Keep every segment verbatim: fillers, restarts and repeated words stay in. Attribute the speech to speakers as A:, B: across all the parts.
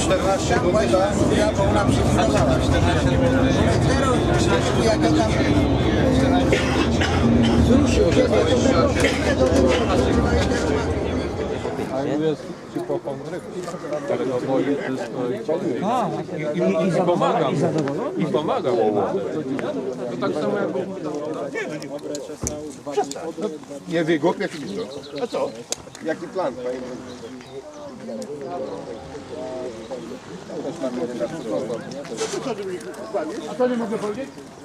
A: czternaście złotych, tak?
B: Ja bo ona przyfilowała. Jak ja tam wzruszył się, to
C: A jest typową rybą. Ale to boi wszystko i, i, i, i pomaga mu. I pomaga mu. To tak samo jak...
A: Nie wygłupię filtru. A co? Jaki plan, panie?
B: A to nie mogę powiedzieć?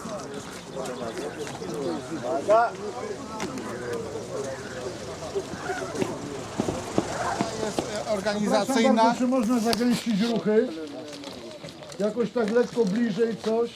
B: Organizacyjna.
D: Czy można zagęścić ruchy? Jakoś tak lekko bliżej coś?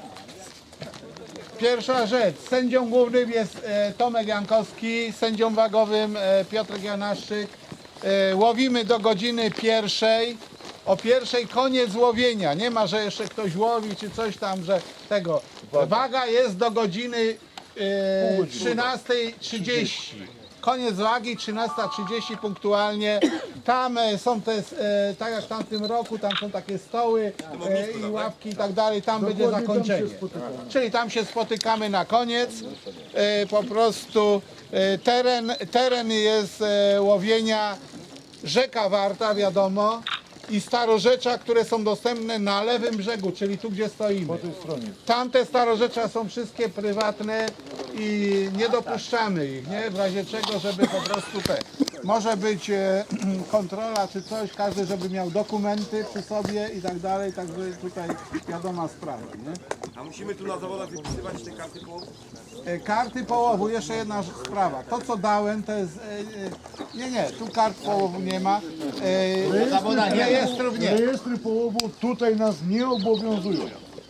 B: Pierwsza rzecz, sędzią głównym jest e, Tomek Jankowski, sędzią wagowym e, Piotrek Janaszczyk. E, łowimy do godziny pierwszej. O pierwszej koniec łowienia. Nie ma, że jeszcze ktoś łowi czy coś tam, że tego. Waga jest do godziny e, trzynastej trzydzieści. Koniec wagi, trzynasta trzydzieści punktualnie. Tam e, są te, e, tak jak w tamtym roku, tam są takie stoły e, i ławki i tak dalej. Tam będzie zakończenie. Czyli tam się spotykamy na koniec. E, po prostu e, teren, teren jest e, łowienia rzeka Warta, wiadomo, i starorzecza, które są dostępne na lewym brzegu, czyli tu, gdzie stoimy.
D: Po tej stronie.
B: Tamte starorzecza są wszystkie prywatne i nie dopuszczamy ich, nie? W razie czego, żeby po prostu te... Może być e, kontrola czy coś, każdy żeby miał dokumenty przy sobie i tak dalej, także tutaj wiadoma sprawa, nie?
A: A musimy tu na zawodach wypisywać te karty połowu?
B: E, Karty połowu, jeszcze jedna sprawa. To co dałem to jest... E, e, nie, nie, tu kart połowu nie ma. E, rejestrów nie.
D: Rejestry połowu tutaj nas nie obowiązują.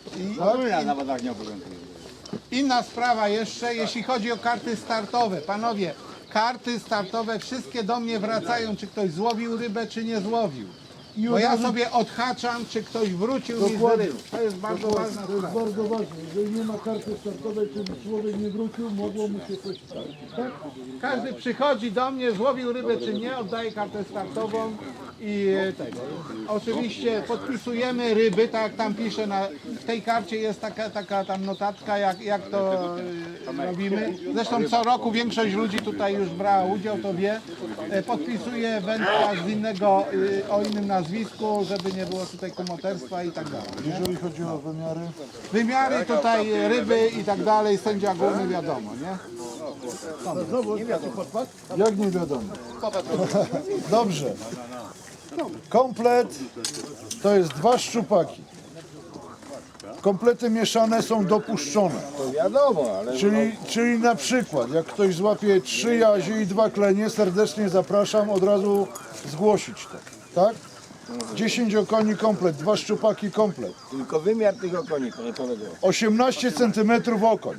B: Inna sprawa jeszcze, jeśli chodzi o karty startowe. Panowie, karty startowe wszystkie do mnie wracają, czy ktoś złowił rybę, czy nie złowił. Bo ja sobie odhaczam, czy ktoś wrócił mi z ryb. To jest bardzo ważna
D: To jest
B: sprawa.
D: bardzo ważne. Jeżeli nie ma karty startowej, czyli człowiek nie wrócił, mogło mu się coś stać. Tak?
B: Każdy przychodzi do mnie, złowił rybę, czy nie, oddaje kartę startową i tego. Oczywiście podpisujemy ryby, tak jak tam pisze, na w tej karcie jest taka, taka tam notatka, jak, jak to e, robimy. Zresztą co roku większość ludzi tutaj już brała udział, to wie. E, podpisuje wędkarz z innego, e, o innym nazwisku, żeby nie było tutaj kumoterstwa i tak dalej. Nie?
D: Jeżeli chodzi o wymiary,
B: Wymiary tutaj ryby i tak dalej, sędzia główny wiadomo, nie?
D: jak nie wiadomo. Dobrze. Komplet to jest dwa szczupaki. Komplety mieszane są dopuszczone.
A: To wiadomo, ale...
D: Czyli, czyli na przykład, jak ktoś złapie trzy jazie i dwa klenie, serdecznie zapraszam od razu zgłosić to. Tak? dziesięć okoni komplet, dwa szczupaki komplet.
A: Tylko wymiar tych okoni, panie kolego.
D: osiemnaście centymetrów okoń.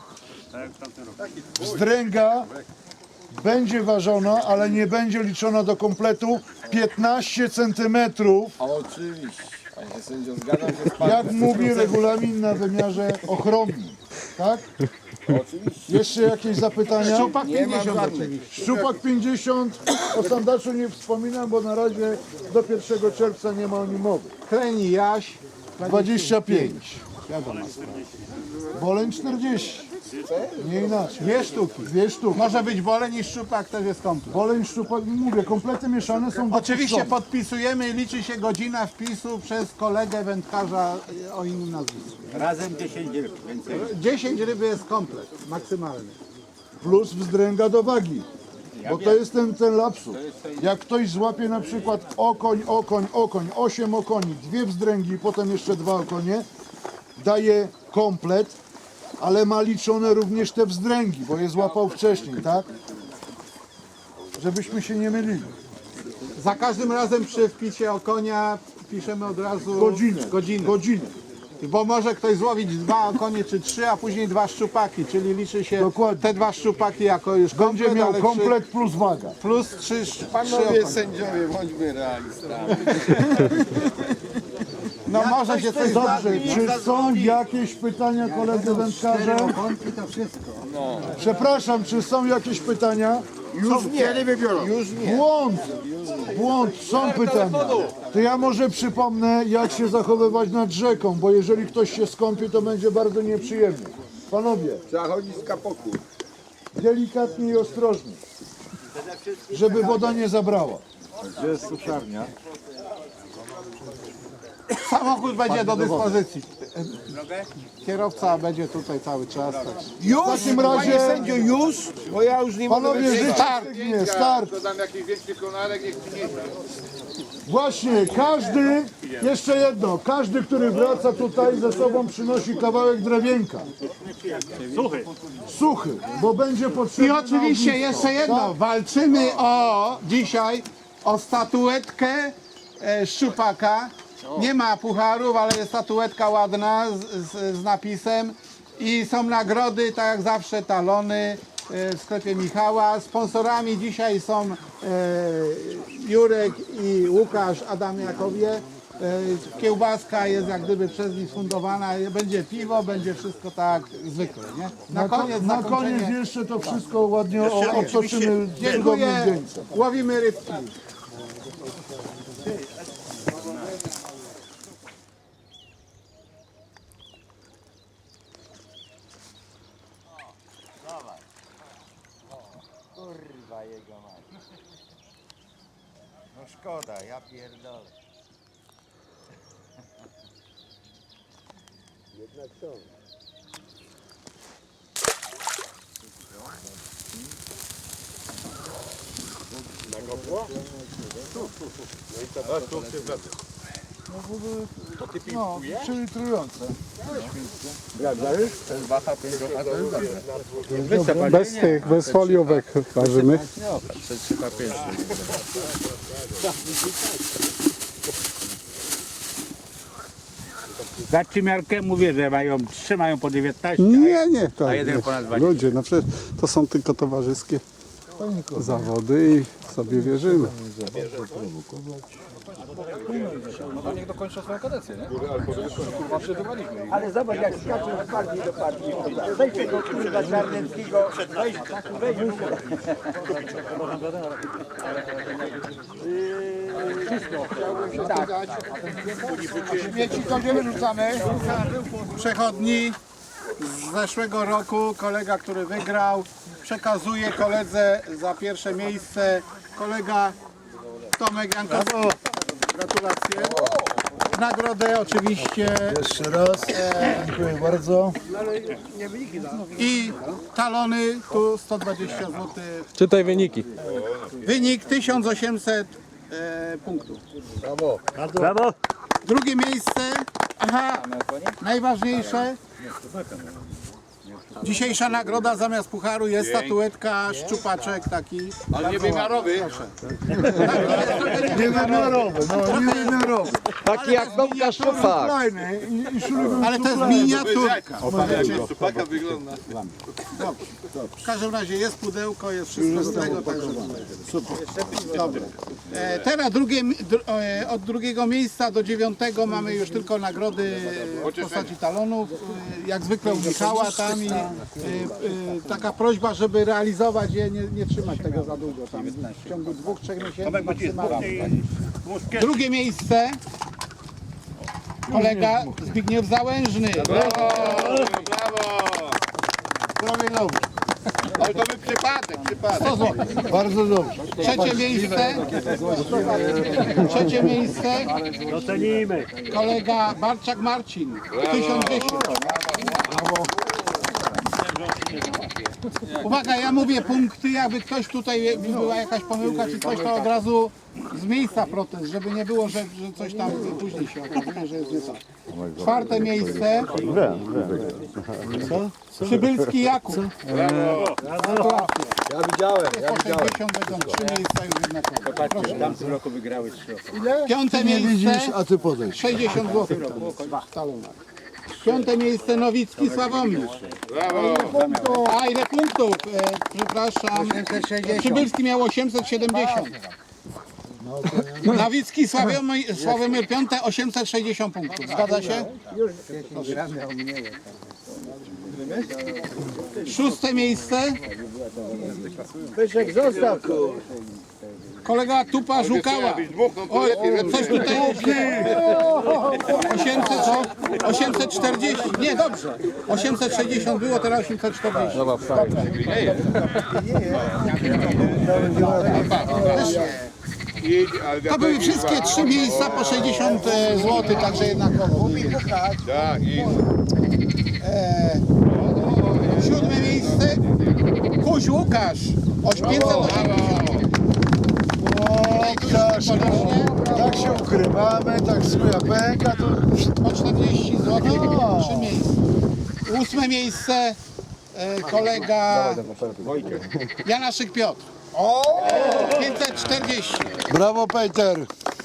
D: Wzdręga będzie ważona, ale nie będzie liczona do kompletu piętnaście centymetrów.
A: Oczywiście. Panie sędzio, zgadzam się z panem.
D: Jak mówi regulamin na wymiarze ochronnym. Tak?
A: Oczywiście.
D: Jeszcze jakieś zapytania?
B: Szczupak
A: Nie ma
B: pięćdziesiąt
A: żadnych.
B: oczywiście.
D: Szczupak pięćdziesiąt, o sandaczu nie wspominam, bo na razie do pierwszego czerwca nie ma o nim mowy.
B: Kleni Jaś
D: dwadzieścia pięć.
B: wiadomo.
D: Boleń czterdzieści. Nie inaczej.
B: Dwie sztuki.
D: Dwie sztuki.
B: Może być woleń i szczupak, też jest komplet.
D: Boleń, szczupak, mówię, komplety mieszane są
B: Oczywiście
D: dopuszczone.
B: podpisujemy i liczy się godzina wpisu przez kolegę wędkarza o innym nazwisku.
E: Razem dziesięć ryb, więcej.
B: dziesięć ryby jest komplet, maksymalny.
D: Plus wzdręga do wagi. Bo to jest ten, ten lapsus. Jak ktoś złapie na przykład okoń, okoń, okoń, osiem okoni, dwie wzdręgi, potem jeszcze dwa okonie, daje komplet, ale ma liczone również te wzdręgi, bo je złapał wcześniej, tak? Żebyśmy się nie mylili.
B: Za każdym razem przy wpisie o konia piszemy od razu
D: Godzinę.
B: godzinę.
D: Godzinę.
B: Bo może ktoś złowić dwa okonie czy trzy, a później dwa szczupaki, czyli liczy się
D: Dokładnie.
B: te dwa szczupaki jako już komplet,
D: Będzie miał
B: ale
D: komplet plus waga.
B: Trzy, plus trzy, trzy
A: Panowie
B: okonie.
A: sędziowie, bądźmy realistami.
B: No może się coś
D: Dobrze, czy są jakieś pytania koledzy wędkarze?
B: to wszystko.
D: Przepraszam, czy są jakieś pytania?
A: Już nie wybiorą. Już nie.
D: Błąd! Błąd, są pytania. To ja może przypomnę, jak się zachowywać nad rzeką, bo jeżeli ktoś się skąpi, to będzie bardzo nieprzyjemnie. Panowie,
A: Trzeba chodzić z kapoku.
D: delikatnie i ostrożnie, żeby woda nie zabrała.
B: Samochód będzie do dyspozycji. Kierowca będzie tutaj cały czas. Tak.
A: Już?
D: W takim razie-
A: Panie sędzio, już? Bo ja już nie mogę
D: Panowie,
A: wytrzymać.
D: życzę pięknie, start.
A: Dodam jakiś większy konarek, niech przyniesie.
D: Właśnie, każdy, jeszcze jedno, każdy, który wraca tutaj ze sobą przynosi kawałek drewienka. Suchy. Suchy, bo będzie potrzebny
B: I
D: na
B: oczywiście
D: ognisko.
B: jeszcze jedno, walczymy o dzisiaj o statuetkę e, szczupaka. Nie ma pucharów, ale jest statuetka ładna z, z, z napisem i są nagrody, tak jak zawsze, talony e, w sklepie Michała. Sponsorami dzisiaj są e, Jurek i Łukasz Adamiakowie. E, kiełbaska jest jak gdyby przez nich sfundowana, będzie piwo, będzie wszystko tak zwykle, nie? Na
D: Na, ko-
B: koniec,
D: na
B: zakończenie.
D: koniec jeszcze to wszystko ładnie o- obtoczymy cudownym
B: Dziękuję,
D: zdjęciem.
B: łowimy rybki.
E: Kurwa jego mać. No szkoda, ja pierdolę. Jednak są.
D: No, przylitrujące.
F: Bez tych, bez foliówek ważymy.
G: Za miarkę mówię, że mają, trzymają po dziewiętnaście.
F: Nie, nie, to
G: A jeden
F: nie.
G: ponad dwadzieścia.
F: Ludzie, no przecież to są tylko towarzyskie zawody i sobie wierzymy.
E: Ale zobacz jak skaczą z partii do partii. Weź tego kurwa Czarneckiego. Weź, weź.
B: Śmieci to gdzie wyrzucamy? Przechodni z zeszłego roku, kolega, który wygrał, przekazuje koledze za pierwsze miejsce. Kolega Tomek Jankowski. Gratulacje. Nagrodę oczywiście
D: Jeszcze raz, dziękuję bardzo.
B: i talony, tu sto dwadzieścia złotych.
C: Czytaj wyniki.
B: Wynik tysiąc osiemset e, punktów.
G: Brawo!
B: Drugie miejsce, aha, najważniejsze. Dzisiejsza nagroda zamiast pucharu jest statuetka, szczupaczek taki.
A: Ale niewymiarowy.
D: Niewymiarowy, no niewymiarowy.
B: Taki jak Tomka Szczupak.
D: Fajny i, i szurubem
B: Ale to jest
D: szuflady.
B: miniaturka.
A: Supaka wygląda.
B: W każdym razie jest pudełko, jest wszystko z tego, także super. Dobra. E, teraz drugie, dr, e, od drugiego miejsca do dziewiątego mamy już tylko nagrody w postaci talonów. E, jak zwykle u Michała tam i e, e, taka prośba, żeby realizować je, nie, nie trzymać tego za długo tam. W ciągu dwóch, trzech miesięcy maksymalnie. Drugie miejsce kolega Zbigniew Załężny. Zdrowie dobrze.
A: Ale to był przypadek, przypadek.
B: sto złotych.
D: Bardzo dobrze.
B: Trzecie miejsce. Trzecie miejsce.
G: Docenimy!
B: Kolega Barczak Marcin. tysiąc dziesięć. Uwaga, ja mówię punkty, jakby ktoś tutaj była jakaś pomyłka czy coś, to od razu z miejsca protest, żeby nie było, że, że coś tam później się okazuje, że jest nie tak. Czwarte miejsce. Przybylski Jakub. Gratulacje.
A: Ja widziałem, ja
B: Po sześćdziesiąt będą trzy miejsca już jednakowe. Proszę.
G: W tamtym roku wygrały trzy.
B: Piąte
D: Ty nie widzisz,
B: miejsce.
D: a ty podejdź.
B: sześćdziesiąt złotych w talonach. Piąte miejsce Nowicki Sławomir. A ile punktów? E, przepraszam. Przybylski miał osiemset siedemdziesiąt. Nowicki Sławomir, Sławomir piąte osiemset sześćdziesiąt punktów. Zgadza się? Szóste miejsce
E: Pyszek zostaw, kur.
B: Kolega Tupa Żukała. Oj, coś tutaj osiemset, osiemset czterdzieści. Nie, dobrze. osiemset sześćdziesiąt było, teraz osiemset czterdzieści. To były wszystkie trzy miejsca po sześćdziesiąt złotych, także jednakowo.
A: Tak, i
B: E, siódme miejsce. Kuś Łukasz. pięćset osiemdziesiąt.
D: Łukasz, no, tak się ukrywamy, tak swoja pęka, to
B: Po czterdzieści złotych. Trzy miejsca. Ósme miejsce. E, kolega Janaszyk Piotr. pięćset czterdzieści.
D: brawo Peter.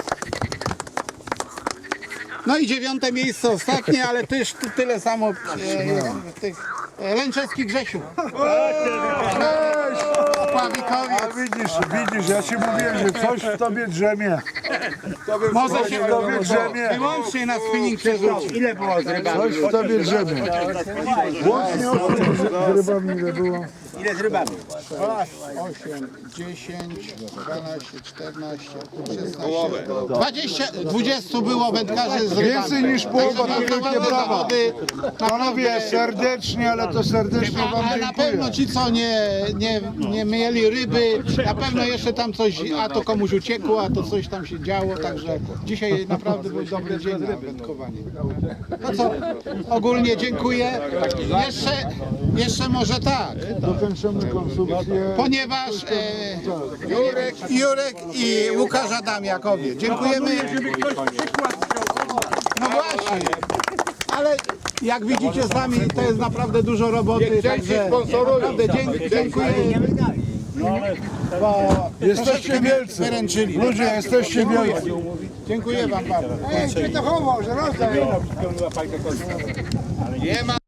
B: No i dziewiąte miejsce ostatnie, ale też tu tyle samo e, tych e, Lęczewski Grzesiu.
D: A
B: Pławikowiec.
D: widzisz, widzisz, ja ci mówiłem, że coś w tobie drzemie.
B: Może się
D: w tobie drzemie.
B: wyłącznie na spinning przerzucić.
E: Ile było z rybami?
D: Coś w tobie drzemie. Łącznie z rybami ile było?
E: Ile z rybami?
B: osiem, dziesięć, dwanaście, czternaście, szesnaście, dwadzieścia, dwadzieścia było wędkarzy z rybami.
D: Więcej niż połowa, to wielkie
B: Naprawdę
D: brawa.
B: zawody,
D: Panowie, serdecznie, ale to serdecznie wam
B: a na pewno
D: dziękuję.
B: ci, co nie, nie, nie mieli ryby, na pewno jeszcze tam coś, a to komuś uciekło, a to coś tam się działo, także dzisiaj naprawdę był dobry dzień na wędkowanie. No co, ogólnie dziękuję. Jeszcze, jeszcze może tak,
D: Dokończymy konsumpcję.
B: ponieważ e, Jurek, Jurek i Łukasz Adamiakowie. Dziękujemy. No właśnie, ale jak widzicie sami, to jest naprawdę dużo roboty, także naprawdę dziękuję, dziękuję, bo
D: Jesteście wielcy.
B: wyręczyli.
D: Ludzie, jesteście wielcy.
B: Dziękuję wam bardzo.
E: Ej, to chował, że rozdał.
B: Nie ma.